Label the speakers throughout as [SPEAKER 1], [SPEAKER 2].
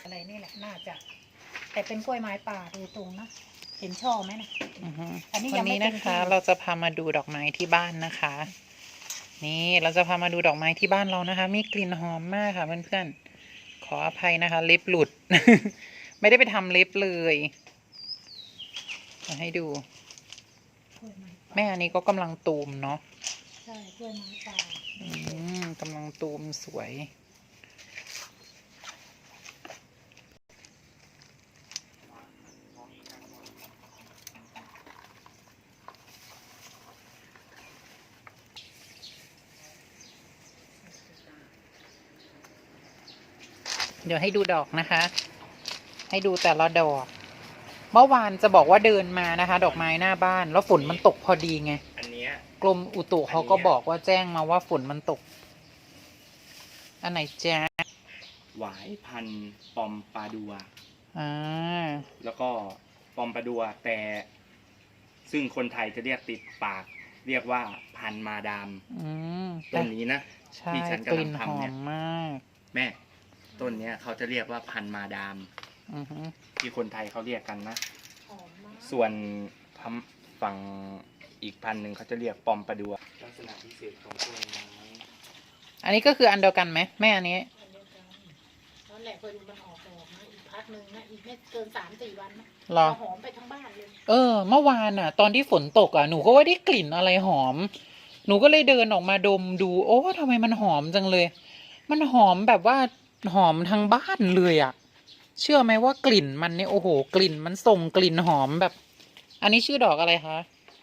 [SPEAKER 1] อะไรนี่แหละน่าจะแต่เป็นกล้วยไม้ป่าโดยตรงนะเห็นช่อไหมนะอันนี้
[SPEAKER 2] วั
[SPEAKER 1] ยัง
[SPEAKER 2] น
[SPEAKER 1] ไม่
[SPEAKER 2] นี้
[SPEAKER 1] เต็
[SPEAKER 2] นะ
[SPEAKER 1] ม
[SPEAKER 2] คะ
[SPEAKER 1] ที่
[SPEAKER 2] เราจะพามาดูดอกไม้ที่บ้านนะคะ นี่เราจะพามาดูดอกไม้ที่บ้านเรานะคะ มีกลิ่นหอมมากค่ะเพื่อนๆขออภัยนะคะเล็บหลุด ไม่ได้ไปทำเล็บเลยมาให้ดู
[SPEAKER 1] กล้วยไม้ป่า
[SPEAKER 2] แม่อันนี้ก็กำลังตูมเนาะ
[SPEAKER 1] ใช่กล้วยไม้ป่าก
[SPEAKER 2] ำลังตูมสวยเดี๋ยวให้ดูดอกนะคะ ให้ดูแต่ละดอก เมื่อวานจะบอกว่าเดินมานะคะ ดอกไม้หน้าบ้าน แล้วฝนมันตกพอดีไง
[SPEAKER 3] อันเนี้ย
[SPEAKER 2] กรมอุตุเขาก็บอกว่าแจ้งมาว่าฝนมันตก อันไหนแจ๊ะ
[SPEAKER 3] หวายพันธุ์ปอมปาดัว
[SPEAKER 2] อ่า
[SPEAKER 3] แล้วก็ปอมปาดัวแต่ซึ่งคนไทยจะเรียกติดปาก เรียกว่าพันธุ์มาดาม
[SPEAKER 2] อืม
[SPEAKER 3] ต้นนี้นะ
[SPEAKER 2] ใช่
[SPEAKER 3] ที่ฉัน
[SPEAKER 2] ก
[SPEAKER 3] กำลั
[SPEAKER 2] ลิ่
[SPEAKER 3] ง
[SPEAKER 2] นหอ
[SPEAKER 3] ทำเนี่
[SPEAKER 2] ม
[SPEAKER 3] ย
[SPEAKER 2] มาก
[SPEAKER 3] แม่ต้นเนี้ยเขาจะเรียกว่าพันธุ์มาดาม
[SPEAKER 2] อือฮึ
[SPEAKER 3] ที่คนไทยเขาเรียกกันนะ
[SPEAKER 1] หอมมาก
[SPEAKER 3] ส่วนฝั่งอีกพันธุ์หนึ่งเขาจะเรียกปอมปาดัวลักษณะพิเศษของต้นไม้
[SPEAKER 2] อันนี้ก็คืออันเดียวกันไหมแม่อันนี้
[SPEAKER 1] อันเดียวกันนั่นแหละพอดูมันออกดอกนะอีกพักหนึ่งนะอีกไม่เกิน3-4 วันนะ
[SPEAKER 2] หรอ
[SPEAKER 1] หอมไปทั้งบ้านเลย
[SPEAKER 2] เมื่อวานอ่ะ ตอนที่ฝนตกอ่ะหนูก็ว่าได้กลิ่นอะไรหอม หนูก็เลยเดินออกมาดมดู โอ้ทำไมมันหอมจังเลย มันหอมแบบว่าหอมทั้งบ้านเลยอ่ะ เชื่อไหมว่ากลิ่นมันเนี่ยโอ้โห กลิ่นมันส่งกลิ่นหอมแบบ อันนี้ชื่อดอกอะไรคะ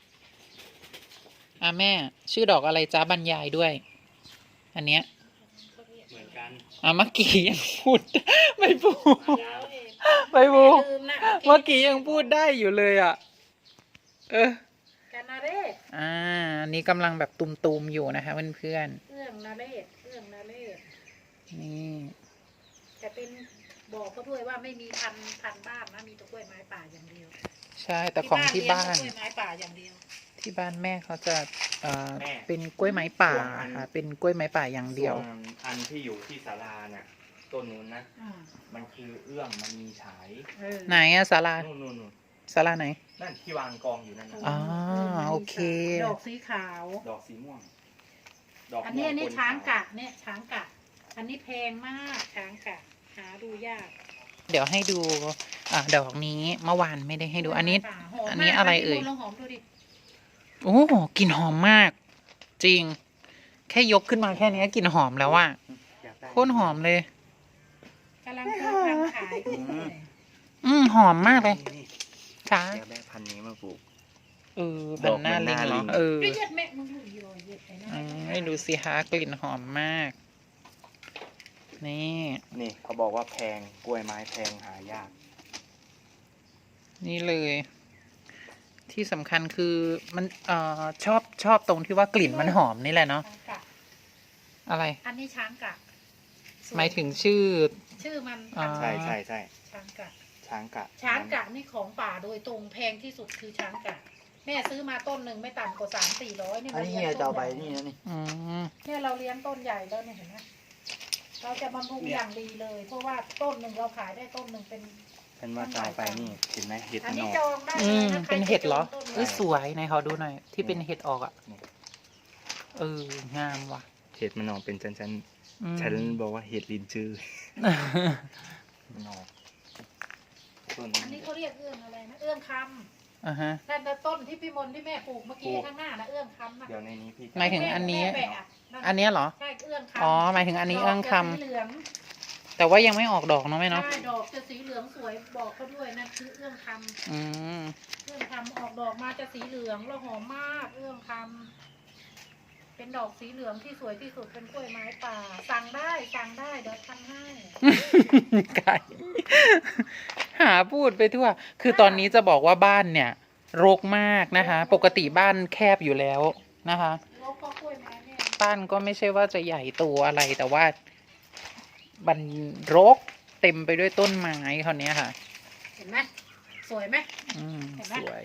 [SPEAKER 2] แม่ชื่อดอกอะไรจ้าบรรยายด้วย อันเนี้ย
[SPEAKER 3] เหมือนกัน
[SPEAKER 2] เมื่อกี้ยังพูด ไม่พูด
[SPEAKER 3] ยาว
[SPEAKER 2] ไม่พูด
[SPEAKER 1] ลืมนะ
[SPEAKER 2] เมื่อกี้ยังพูดได้อยู่เลยอ่ะ
[SPEAKER 1] กานาเรศ
[SPEAKER 2] อันนี้กำลังแบบตุมๆอยู่นะคะเพื่อน
[SPEAKER 1] เอื้องนาเรศเอื้องนาเรศ
[SPEAKER 2] ๆนี่
[SPEAKER 1] แต่เป็นบอกเขาด้วยว่าไม่มีพันบ้านนะมีแต่กล้วยไม้ป่าอย่างเดียว
[SPEAKER 2] ใช่แต่ของที่บ้าน
[SPEAKER 1] เลี้ยงแต่กล้วยไม้ป่าอย่างเดียว
[SPEAKER 2] ที่บ้านแม่เขาจะเป็นกล้วยไม้ป่าค่ะเป็นกล้วยไม้ป่าอย่างเดียว
[SPEAKER 3] ส่วนอันที่อยู่ที่ศาลาเนี่ยต้นนู้นนะ
[SPEAKER 1] อ่า
[SPEAKER 3] มันคือเอื้องมันมีฉาย
[SPEAKER 2] ไหนอะศาลา
[SPEAKER 3] นู่น
[SPEAKER 2] ศาลาไหน
[SPEAKER 3] นั่นที่วางกองอยู่นั่นนะ
[SPEAKER 2] อ๋อโอเค
[SPEAKER 1] ดอกสีขาว
[SPEAKER 3] ดอกสีม่วง
[SPEAKER 1] อันนี้
[SPEAKER 3] ม่ว
[SPEAKER 1] ช้าง
[SPEAKER 3] ปนขว
[SPEAKER 1] กะเนี่ยช้างกะ อันนี้แพงมากช้างกะหาดูยาก
[SPEAKER 2] เดี๋ยวให้ดูดอกนี้เมื่อวานไม่ได้ให้ดู อันนี้
[SPEAKER 1] หม
[SPEAKER 2] อันนี้
[SPEAKER 1] มาก
[SPEAKER 2] อะไรเอ่ย
[SPEAKER 1] ลองหอมดูดิ
[SPEAKER 2] โอ้กลิ่นหอมมาก จริง แค่ยกขึ้นมาแค่นี้กลิ่นหอมแล้วอะ
[SPEAKER 3] อยากได้
[SPEAKER 2] โคตรหอมเลย
[SPEAKER 1] กำลังเพิ่มทำขายอยู่เลย
[SPEAKER 2] หอมมากเลย
[SPEAKER 3] นี่
[SPEAKER 2] ค่ะ
[SPEAKER 3] อยากได้พันธุ์นี้มาปลูก
[SPEAKER 2] พันหน้าลิงเหรอ
[SPEAKER 1] เย็ดแม่มึงดูอีโรยเย็ดไอ้นั่น
[SPEAKER 2] ให้ดูสิฮะกลิ่นหอมมาก นี่
[SPEAKER 3] นี่เขาบอกว่าแพงกล้วยไม้แพงหายาก
[SPEAKER 2] นี่เลย ที่สำคัญคือมันชอบตรงที่ว่ากลิ่นมันหอมนี่แหละเนาะ
[SPEAKER 1] ช้างกะ
[SPEAKER 2] อะไร
[SPEAKER 1] อันนี้ช้างกะสว
[SPEAKER 2] หมายถึงชื่อ
[SPEAKER 1] ชื่อมัน
[SPEAKER 2] อ่า
[SPEAKER 3] ใช่ใช่ใช่
[SPEAKER 1] ช้างกะ
[SPEAKER 3] ช้างกะ
[SPEAKER 1] ช้างกะนี่ของป่าโดยตรงแพงที่สุดคือช้างกะ แม่ซื้อมาต้นหนึ่งไม่ต่ำกว่า300-400นี่
[SPEAKER 4] อัน
[SPEAKER 1] เรา
[SPEAKER 4] นี้
[SPEAKER 1] เลี้ย
[SPEAKER 4] เฮีย
[SPEAKER 1] ง
[SPEAKER 4] จะ
[SPEAKER 1] ต้
[SPEAKER 4] เอา
[SPEAKER 1] น
[SPEAKER 4] ใบ
[SPEAKER 1] ใหญ่
[SPEAKER 4] นี่นะนี่
[SPEAKER 2] อืม
[SPEAKER 1] เนี่ยเราเลี้ยงต้นใหญ่แล้วเนี่ยเห็นไหมเราจะบำรุงอย่างดีเลย เพราะว่าต้นหนึ่งเราขายได้ต้นหนึ่งเป็น
[SPEAKER 3] ฉันว่าจะเอาไปนี่เห็นไหมเห็ด
[SPEAKER 1] อัน
[SPEAKER 3] มัน
[SPEAKER 1] นี้
[SPEAKER 3] ออก
[SPEAKER 1] จองได้เลยนะใคร
[SPEAKER 2] เป็นเห็ดเหรอ
[SPEAKER 1] จะจงต้น
[SPEAKER 2] เอ้ย
[SPEAKER 1] ไม้
[SPEAKER 2] สวยไหนขอดูหน่อย ที่เป็นเห็ดออกอ่ะ
[SPEAKER 3] นี่
[SPEAKER 2] งามว่ะ
[SPEAKER 3] เห็ดมันออกเป็นชั้น
[SPEAKER 2] อืม
[SPEAKER 3] ฉันบอกว่าเห็ดลินจือมันออกต้น
[SPEAKER 1] อันนี้เขาเรียกเอื้องอะไรนะเอื้องค
[SPEAKER 2] ฮะ
[SPEAKER 1] ำนั่นนะต้นที่พี่มนที่แม่ปลูกเมื่อกี้ข้างหน้านะเอื้องคำนะ
[SPEAKER 3] เดี๋ยวในนี้พี่
[SPEAKER 2] หมายถึงอันนี้
[SPEAKER 1] แม่แบะะนั่น
[SPEAKER 2] อันเนี้ยเหรอ
[SPEAKER 1] ใช่เอื้องคำ
[SPEAKER 2] อ๋อหมายถึงอันนี้เอื้องค
[SPEAKER 1] ดกจะสีเหลือง
[SPEAKER 2] ำแต่ว่ายังไม่ออกดอกเนาะแม่เนาะ
[SPEAKER 1] ใช่ดอกจะสีเหลืองสวยบอกเขาด้วยนั่นคือเอื้องคำ
[SPEAKER 2] อืม
[SPEAKER 1] เอื้องคำออกดอกมาจะสีเหลืองแล้วหอมมากเอื้องคำเป็นดอกสีเหลืองที่สวยที่สุดเป็นกล้วยไม้ป่าสั่งได้เดี๋ยวทำให้
[SPEAKER 2] ไก่หาพูดไปทั่ว คือตอนนี้จะบอกว่าบ้านเนี่ยรกมากนะคะ ปกติบ้านแคบอยู่แล้วนะคะ
[SPEAKER 1] แล้วก็กล้วยไม้เนี่ย
[SPEAKER 2] บ้านก็ไม่ใช่ว่าจะใหญ่โตอะไร แต่ว่ามันรกเต็มไปด้วยต้นไม้คราวเนี้ยค่ะ
[SPEAKER 1] เห็นไหมสวยไหม เห็นไหม
[SPEAKER 2] สวย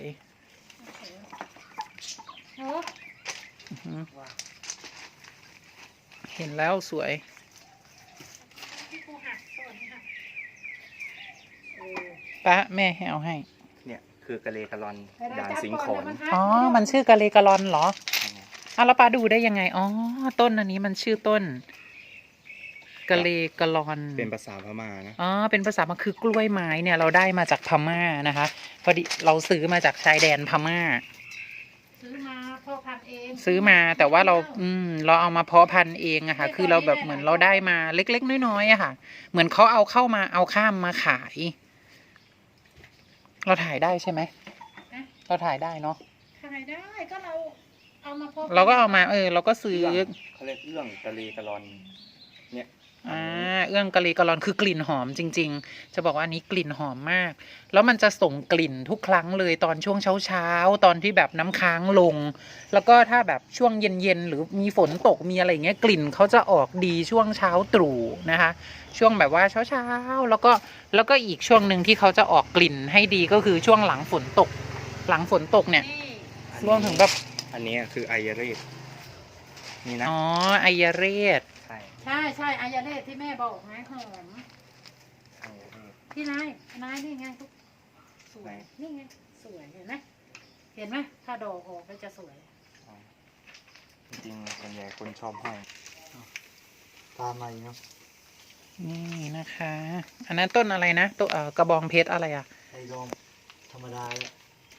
[SPEAKER 1] โอ้
[SPEAKER 2] อือหือเห็นแล้วสวย
[SPEAKER 1] พี่ปูหักสวัสดีค่ะเออ
[SPEAKER 2] ป้าแม่ให้เอาให้
[SPEAKER 3] เนี่ยคือกะเลกะลอน
[SPEAKER 1] ให้ได้
[SPEAKER 3] ด่าง
[SPEAKER 1] จับ
[SPEAKER 3] สิง
[SPEAKER 1] ก่
[SPEAKER 3] โข
[SPEAKER 1] อน
[SPEAKER 3] น
[SPEAKER 1] เดี๋ยวมันหัก
[SPEAKER 2] อ๋อ มันชื่อกะเลกะลอนเหรออ่ะแล้วป้าดูได้ยังไง อ๋อ ต้นอันนี้มันชื่อต้นกะเลกะลอน
[SPEAKER 3] เป็นภาษาพม่านะ
[SPEAKER 2] อ๋อ เป็นภาษามันคือกล้วยไม้เนี่ย เราได้มาจากพม่านะคะ พอดีเราซื้อมาจากชายแดนพม่า
[SPEAKER 1] ซื้อมาพ่อพันธุ์เอง
[SPEAKER 2] ซื้อมาแต่ว่าเราเอามาเพาะพันธุ์เองอะค่ะ คือเราแบบเหมือนเราได้มาเล็กๆน้อยๆอะค่ะ เหมือนเขาเอาเข้ามาเอาข้ามมาขาย เราถ่ายได้ใช่ไหม เราถ่ายได้เนาะ
[SPEAKER 1] ขายได้ก็เราเอามาพ่อพันธุ์
[SPEAKER 2] เราก็เอามาเราก็ซื้อ
[SPEAKER 3] เขาเรียกเรื่องกะเลกะลอน เนี่ย
[SPEAKER 2] เอื้องกะลีกะลอนคือกลิ่นหอมจริงๆ จะบอกว่าอันนี้กลิ่นหอมมาก แล้วมันจะส่งกลิ่นทุกครั้งเลยตอนช่วงเช้าๆตอนที่แบบน้ำค้างลง แล้วก็ถ้าแบบช่วงเย็นๆหรือมีฝนตกมีอะไรอย่างเงี้ยกลิ่นเขาจะออกดีช่วงเช้าตรู่นะคะ ช่วงแบบว่าเช้าๆแล้วก็อีกช่วงหนึ่งที่เขาจะออกกลิ่นให้ดีก็คือช่วงหลังฝนตก หลังฝนตกเนี่ย
[SPEAKER 1] นี่
[SPEAKER 2] รวมถึงแบบ
[SPEAKER 3] อันนี้คือไอยาเรศนี่นะ
[SPEAKER 2] อ๋อไอยาเรศ
[SPEAKER 3] ใช่
[SPEAKER 1] ใช่อายาเลศที่แม่บอกไงหอม
[SPEAKER 3] ไอยาเรศ
[SPEAKER 1] ที่นายนี่ไงทุกสวยนี่ไงสวยเห็นไหมเห็นไหมถ้าดอกออกก็จะสวย
[SPEAKER 3] อ๋อจริงๆส่วนใหญ่คนชอบห้อย
[SPEAKER 4] ตามมาอีกเนาะ
[SPEAKER 2] นี่นะคะ อันนั้นต้นอะไรนะตัวกระบองเพชรอะไรอ่ะ
[SPEAKER 4] ไอ้ดองธรรมดาแหละ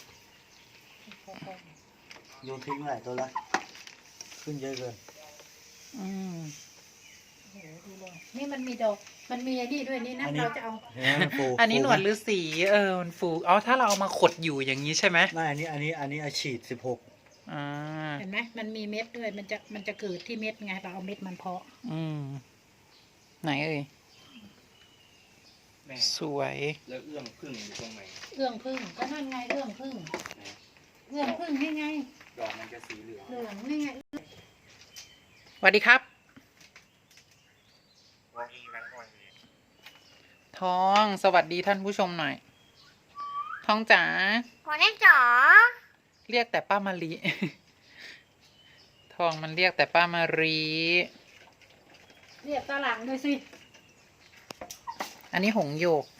[SPEAKER 4] โยนทิ้งหลายตัวละขึ้นเยอะเกิน
[SPEAKER 2] อืม
[SPEAKER 1] โอ้โหดูเลยนี่มันมีดอกมันมีไอ้นี่ด้วยนี่นะ
[SPEAKER 4] อันนี้
[SPEAKER 1] เราจะเอา
[SPEAKER 4] เห็นไหมมันฟู
[SPEAKER 2] อันนี้หนวด
[SPEAKER 4] ฟู
[SPEAKER 2] ฤาษีมันฟูอ๋อถ้าเราเอามาขดอยู่อย่างนี้ใช่ไหม
[SPEAKER 4] ไม่อันนี้อาฉีด16
[SPEAKER 2] อ่า
[SPEAKER 1] เห็นไหมมันมีเม็ดด้วยมันจะเกิดที่เม็ดไงเราเอาเม็ดมันเพาะ
[SPEAKER 2] อืมไหนเอ่ย
[SPEAKER 3] แม่
[SPEAKER 2] สวย
[SPEAKER 3] แล้วเอื้องพึ่งอยู่ตรงไหน
[SPEAKER 1] เอื้องพึ่งก็นั่นไงเอื้องพึ่งเอื้องพึ่งนี่ไง
[SPEAKER 3] ดอกมันจะสีเหลือง
[SPEAKER 1] เหลืองนี่ไง
[SPEAKER 2] สวัสดีครับ ทองสวัสดีท่านผู้ชมหน่อย ทองจ๋า
[SPEAKER 5] หัวแน่จ๋อ
[SPEAKER 2] เรียกแต่ป้ามารี ทองมันเรียกแต่ป้ามารี
[SPEAKER 1] เรียกตาหลังด้วยสิ
[SPEAKER 2] อันนี้หงส์หยก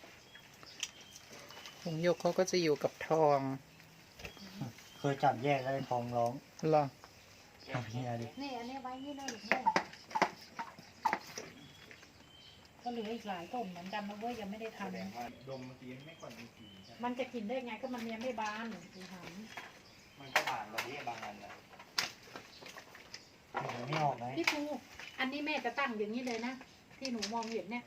[SPEAKER 2] หงส์หยกเขาก็จะอยู่กับทอง
[SPEAKER 4] เคยจับแยกแล้วทองร้อง
[SPEAKER 2] เหรอ
[SPEAKER 4] เอาเฮียดิ
[SPEAKER 1] นี่อันนี้ไว้นี่เลยแม่ก็เหลืออีกหลายต้นเหมือนกันนะเว้ยยังไม่ได้
[SPEAKER 3] แส
[SPEAKER 1] ทำ
[SPEAKER 3] ดงว่าดมเมื่อกี้ไม่ค่อยมีสีใช่ไหม
[SPEAKER 1] มันจะกินได้ไงก็มันยังไม่บานดูห
[SPEAKER 3] มันก็ผ่านระเบียบางอันนะ
[SPEAKER 4] เดี๋ยวไม่ออกไหม
[SPEAKER 1] ำพี่ภูอันนี้แม่จะตั้งอย่างนี้เลยนะที่หนูมองเห็นเนี่ย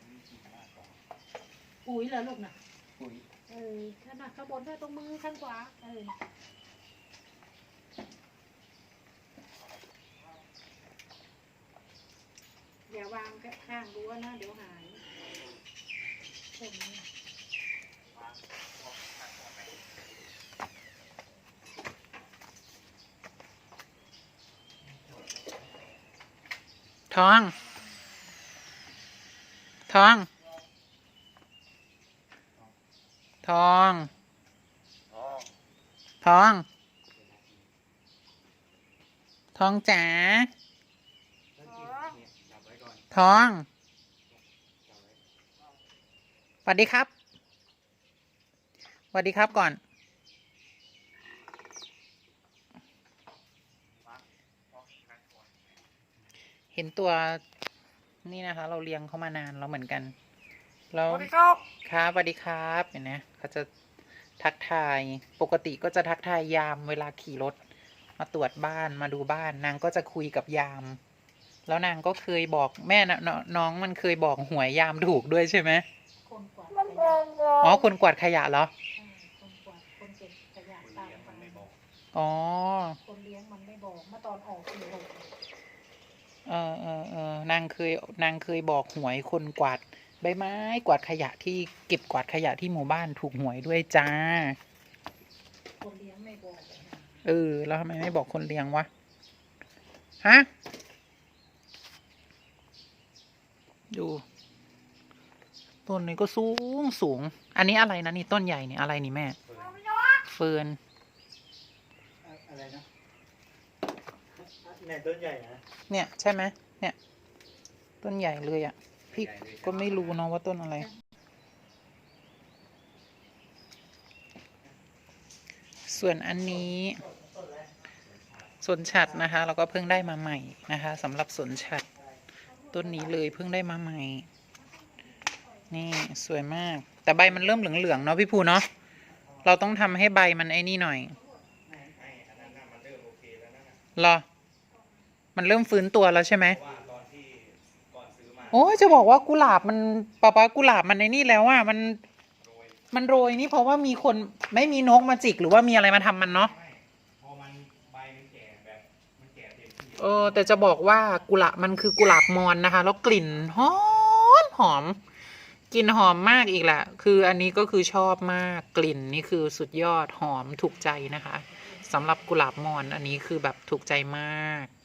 [SPEAKER 1] ปุ๋ยเหรอลูกน่ะ
[SPEAKER 3] ปุ๋ย
[SPEAKER 1] ขนาดข้างบนด้วยตรงมือข้างขวาอย่าวางข้างรั้วนะเดี๋ยวหายต้นนี้
[SPEAKER 2] ทอง ทอง ทอง ทอง ทองจ๋า
[SPEAKER 3] จับไว้ก่อน
[SPEAKER 2] ทองสวัสดีครับสวัสดีครับก่อน เห็นตัวนี่นะคะ เราเลี้ยงเขามานานแล้วเหมือนกันแล้วครับสวัสดีครับเห็นไหมเขาจะทักทายปกติก็จะทักทายยามเวลาขี่รถมาตรวจบ้านมาดูบ้าน นางก็จะคุยกับยาม แล้วนางก็เคยบอกแม่นะน้องมันเคยบอกหวยยามถูกด้วยใช่ไหม
[SPEAKER 1] คนกวาด
[SPEAKER 5] มัน
[SPEAKER 1] ข
[SPEAKER 5] เดิ
[SPEAKER 1] ยะ
[SPEAKER 5] นเลย
[SPEAKER 2] อ๋อคนกวาดขยะเหรอ
[SPEAKER 1] คนกวาดคนเก็บขยะ
[SPEAKER 3] คน
[SPEAKER 1] ตาม
[SPEAKER 3] เลี้ยง
[SPEAKER 1] ไป
[SPEAKER 3] มันไม่บอก
[SPEAKER 2] อ๋อ
[SPEAKER 1] คนเลี้ยงมันไม่บอกเมื่อตอนออกคือบอก
[SPEAKER 2] นางเคยบอกหวยคนกวาดใบไม้กวาดขยะที่เก็บกวาดขยะที่หมู่บ้านถูกหวยด้วยจ้า
[SPEAKER 1] คนเลี้ยงไม่บอก
[SPEAKER 2] แล้วทำไมไม่บอกคนเลี้ยงวะ ฮะ ดูต้นนี้ก็สูง อันนี้อะไรนะนี่ต้นใหญ่นี่อะไรนี่แม่ เฟิร์น
[SPEAKER 4] อะไรนะเนี่ยต้นใหญ่นะ
[SPEAKER 2] เนี่ยใช่ไหมเนี่ย ต้นใหญ่เลยอ่ะ พี่ก็ไม่รู้เนาะว่าต้นอะไรส่วนอันนี้สนฉัตรนะคะเราก็เพิ่งได้มาใหม่นะคะสำหรับสนฉัตรต้นนี้เลยเพิ่งได้มาใหม่นี่สวยมากแต่ใบมันเริ่มเหลืองๆเนาะพี่ภูเนาะเราต้องทำให้ใบมันไอ้นี่หน่อยเหรอมันเริ่มฟื้นตัวแล้วใช่ไหมโอ้ยจะบอกว่ากุหลาบมันป๊ากุหลาบมันไอ้นี่แล้วอ่ะมันโรยนี่เพราะว่ามีคนไม่มีนกมาจิกหรือว่ามีอะไรมาทำมันเนาะแต่จะบอกว่ากุหลาบมันคือกุหลาบมอนนะคะแล้วกลิ่นหอมกลิ่นหอมมากอีกแหละคืออันนี้ก็คือชอบมากกลิ่นนี่คือสุดยอดหอมถูกใจนะคะสำหรับกุหลาบมอนอันนี้คือแบบถูกใจมาก